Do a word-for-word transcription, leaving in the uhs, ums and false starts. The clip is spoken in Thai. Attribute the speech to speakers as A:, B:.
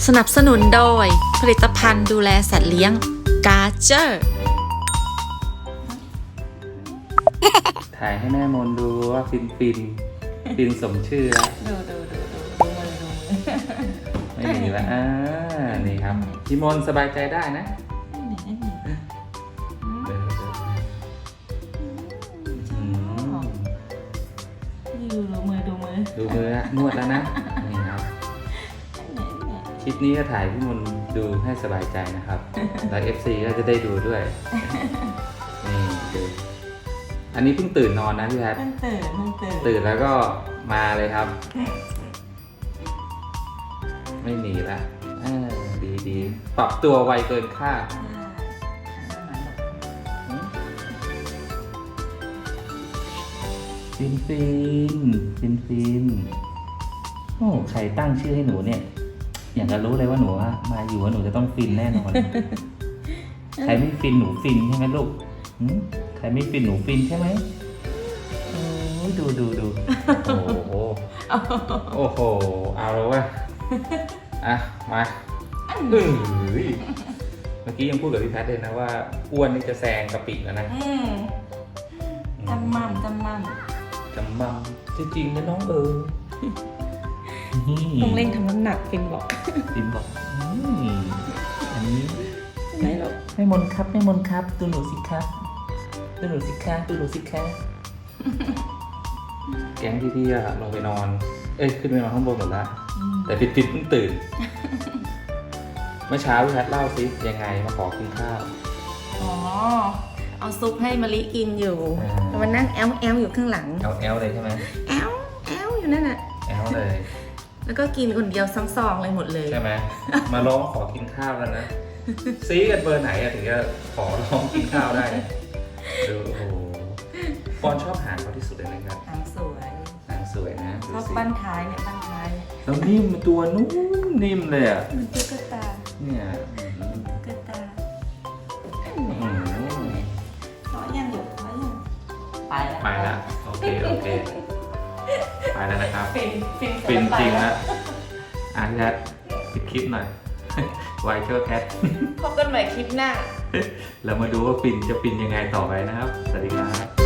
A: สนับสนุนโดยผลิตภัณฑ์ดูแลสัตว์เลี้ยงกาเจอร์
B: ถ่ายให้แม่มนดูว่าฟินฟินฟินสมชื่อแล้ว
A: ดูดูดูดูดูมือดูมือ
B: ไม่หนีละอ่านี่ครับพี่มนสบายใจได้นะ
A: ดูดูมือดูมือ
B: ดูมือนวดแล้วนะนี่ครับคลิปนี้ก็ถ่ายพี่มนดูให้สบายใจนะครับแล้ว เอฟ ซี ก็จะได้ดูด้วยนี่ดูอันนี้เพิ่งตื่นนอนนะพี่แพท
A: เพิ่งตื่นเพิ่งตื่น
B: ตื่นแล้วก็มาเลยครับไม่หนีละดีดีปรับตัวไวเกินคาดฟินฟินฟินฟินโอ้ใครตั้งชื่อให้หนูเนี่ยอยากจะรู้เลยว่าหนูมาอยู่ว่าหนูจะต้องฟินแน่นอนใครไม่ฟินหนูฟินใช่ไหมลูกใครไม่ฟินหนูฟินใช่ไหมโอ้ดูดูดูโอ้โหโอ้โหเอาแล้ววะอ่ะมาเฮ้ยเมื่อกี้ยังพูดกับพี่แพทเลยนะว่าอ้วนนี่จะแซงกะปิแล้วนะ
A: จำมั่มจำมั่ม
B: จำมั่มจริงๆนะน้องเออ
A: ต้องเร่งทำน้ำหนักฟินบอก
B: ฟินบอกอันนี้
A: ไม่หรอก
B: ไม่มนครับไม่มนครับดูหนูสิครับดูหนูสิคะดูหนูสิคะแก๊งพี่ๆอะลงไปนอนเอ้ยขึ้นไปนอนข้างบนหมดแล้วแต่ปิดปิดเพิ่งตื่นเมื่อเช้าพี่แพทเล่าสิยังไงมาขอกินข้าว
A: อ๋อเอาซุปให้มะลิกินอยู่มันนั่งแอลแอลอยู่ข้างหลัง
B: แอลแอลเลยใช่ไหม
A: แอลแอลอยู่นั่นแหละ
B: แอลเลย
A: แล้วก็กินคนเดียวซองๆเลยหมดเลย
B: ใช่ไหมมาร้องขอกินข้าวแล้วนะซีกันเบอร์ไหนอะถึงจะขอร้องกินข้าวได้ดูโอ้โหปอนชอบหางเขาที่สุดเลยนะครับ
A: หางสวย
B: หางสวยนะ
A: ชอบปั้นท้ายเนี่ยปั้นท้ายเนี่ย
B: แล้วนิ่มตัวนุ่มนิ่มเลยอ่ะ
A: มันตุ๊กตา
B: เนี่ย
A: ตุ๊กตาขอยังหยุดขอยังไปแล้ว
B: ไปแล้วโอเคโอเคไปแล้วนะครับ
A: ฟินฟิน
B: ฟินจริงนะอ่ะพี่แพทปิดคลิปหน่อยไวเชอร์แพท
A: พบกันใหม่คลิปหน้า
B: แล้วมาดูว่าฟินจะฟินยังไงต่อไปนะครับสวัสดีครับ